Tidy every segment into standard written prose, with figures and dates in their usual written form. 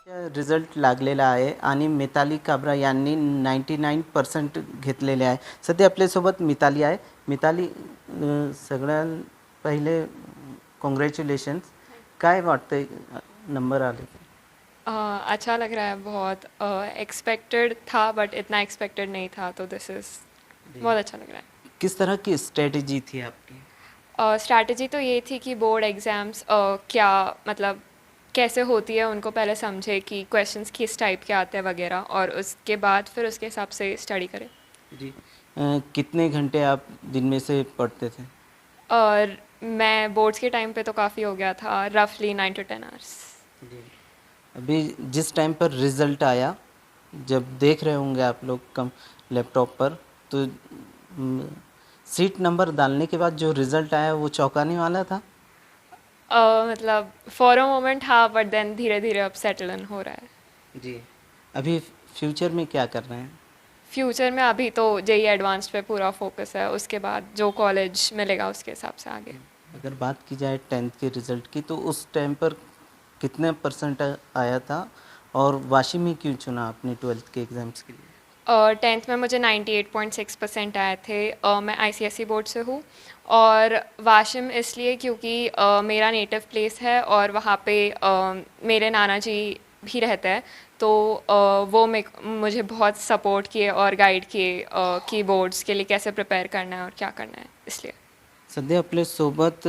Result लागलेला आहे आणि मिताली काब्रा यांनी 99% घेतलेले आहे. सध्या आपल्यासोबत मिताली आहे. मिताली, सगळ्यात पहिले कॉन्ग्रॅच्युलेशन्स. काय वाटतंय नंबर आले? अच्छा लग रहा है बहुत। एक्सपेक्टेड था बट इतना एक्सपेक्टेड नहीं था, तो दिस इज़ बहुत अच्छा लग रहा है। किस तरह की स्ट्रेटजी थी आपकी? स्ट्रैटेजी तो ये थी कि बोर्ड एग्ज़ाम्स क्या मतलब कैसे होती है उनको पहले समझे कि क्वेश्चंस किस टाइप के आते हैं वगैरह, और उसके बाद फिर उसके हिसाब से स्टडी करें। जी। कितने घंटे आप दिन में से पढ़ते थे? और मैं बोर्ड्स के टाइम पे तो काफ़ी हो गया था, रफली 9 to 10 आवर्स। जी। अभी जिस टाइम पर रिज़ल्ट आया, जब देख रहे होंगे आप लोग कम लैपटॉप पर, तो सीट नंबर डालने के बाद जो रिज़ल्ट आया वो चौंकाने वाला था? मतलब फॉर अ मोमेंट हाँ, बट देन धीरे धीरे अब सेटल इन हो रहा है। जी। अभी फ्यूचर में क्या कर रहे हैं? फ्यूचर में अभी तो जेई एडवांस्ड पे पूरा फोकस है, उसके बाद जो कॉलेज मिलेगा उसके हिसाब से आगे। अगर बात की जाए 10th के रिज़ल्ट की, तो उस टाइम पर कितने परसेंट आया था और वाशी में क्यों चुना आपने 12th के एग्ज़ाम्स के लिए? 10th में मुझे 98.6% आए थे। मैं आईसीएसई बोर्ड से हूँ, और वाशिम इसलिए क्योंकि मेरा नेटिव प्लेस है और वहाँ पे मेरे नाना जी भी रहते हैं, तो वो मुझे बहुत सपोर्ट किए और गाइड किए कि बोर्ड्स के लिए कैसे प्रिपेयर करना है और क्या करना है, इसलिए। सध्या आपल्यासोबत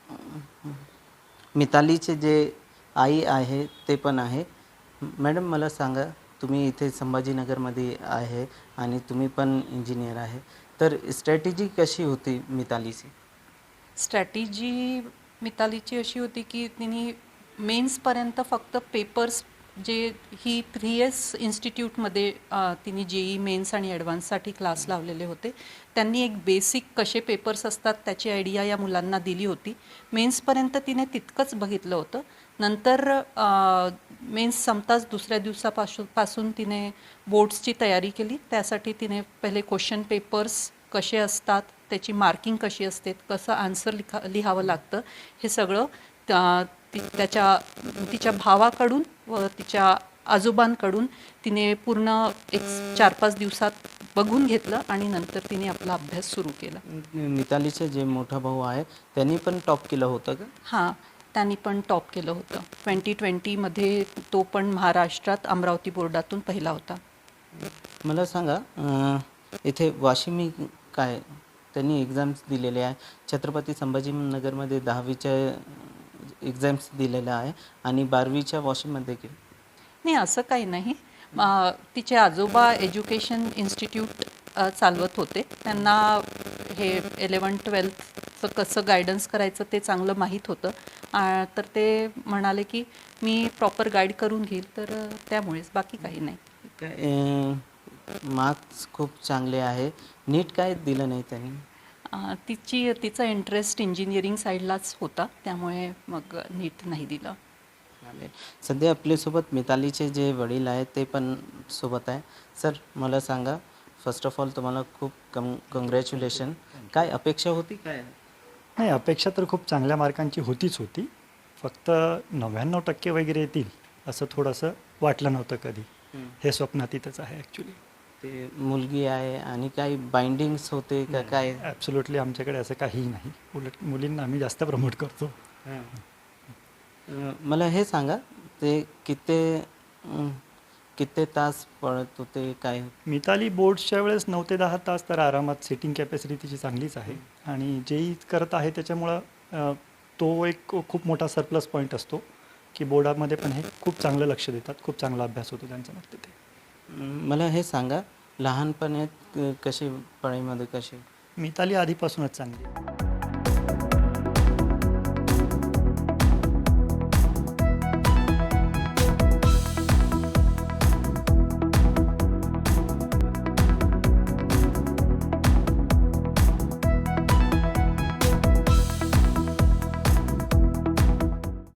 मितालीचे जे आई आहे ते पण आहे. मॅडम, मला सांगा, तुम्ही इथे संभाजीनगरमध्ये आहे आणि तुम्ही पण इंजिनियर आहे, तर स्ट्रॅटेजी कशी होती मितालीची? स्ट्रॅटेजी मितालीची अशी होती की तिने मेन्सपर्यंत फक्त पेपर्स जे ही 3S इन्स्टिट्यूटमध्ये तिने जेई मेन्स आणि ॲडव्हान्ससाठी क्लास लावलेले होते. त्यांनी एक बेसिक कसे पेपर्स असतात त्याची आयडिया या मुलांना दिली होती. मेन्सपर्यंत तिने तितकंच बघितलं होतं. नंतर मेन्स संपताच दुसऱ्या दिवसापासून तिने बोर्ड्सची तयारी केली. त्यासाठी तिने पहिले क्वेश्चन पेपर्स कसे असतात, त्याची मार्किंग कशी असते, कसं आन्सर लिहावं लागतं, हे सगळं तिच्या भावाकडून व तिच्या आजोबांकडून तिने पूर्ण एक 4-5 दिवसात बघून घेतलं आणि नंतर तिने आपला अभ्यास सुरू केला. मितालीचे जे मोठा भाऊ आहे त्यांनी पण टॉप केलं होतं का? हां, त्यांनी पण टॉप केलं होतं. 2020मध्ये तो पण महाराष्ट्रात अमरावती बोर्डातून पहिला होता. मला सांगा, इथे वाशिमी काय त्यांनी एक्झाम्स दिलेले आहे. छत्रपती संभाजीनगरमध्ये 10वीच्या एक्झाम्स दिलेल्या आहे आणि 12वीच्या वाशिममध्ये केलं. नाही, असं काही नाही. तिचे आजोबा एज्युकेशन इन्स्टिट्यूट चालवत होते. त्यांना हे 11-12चं कसं गायडन्स करायचं ते चांगलं माहीत होतं. तर ते म्हणाले की मी प्रॉपर गाईड करून घेईल, तर त्यामुळेच, बाकी काही नाही. काय मार्क्स खूप चांगले आहे. नीट काय दिलं नाही त्यांनी? तिचा इंटरेस्ट इंजिनिअरिंग साईडलाच होता, त्यामुळे मग नीट नाही दिलं. सध्या आपल्यासोबत मितालीचे जे वडील आहेत ते पण सोबत आहे. सर, मला सांगा, फर्स्ट ऑफ ऑल तुम्हाला खूप कॉंग्रॅच्युलेशन. काय अपेक्षा होती काय? नाही, अपेक्षा तर खूप चांगल्या मार्कांची होतीच होती. फक्त 99% वगैरे येतील असं थोडंसं वाटलं नव्हतं कधी. हे स्वप्नातीतच आहे ॲक्च्युली. ते मुलगी आहे आणि काही बाइंडिंग्स होते का काय? ॲब्सोल्युटली आमच्याकडे असं काहीही नाही. उलट मुलींना आम्ही जास्त प्रमोट करतो. मला हे सांगा, ते किती तास पळत होते काय? मिताली बोर्ड्सच्या वेळेस 9 ते 10 तास तर आरामात. सिटिंग कॅपॅसिटी तिची चांगलीच आहे आणि जेही करत आहे त्याच्यामुळं तो एक खूप मोठा सरप्लस पॉईंट असतो की बोर्डामध्ये पण हे खूप चांगलं लक्ष देतात, खूप चांगला अभ्यास होतो त्यांचा मग तिथे. मला हे सांगा, लहानपणात कशी पढाईमध्ये कशी? मिताली आधीपासूनच चांगली आहे.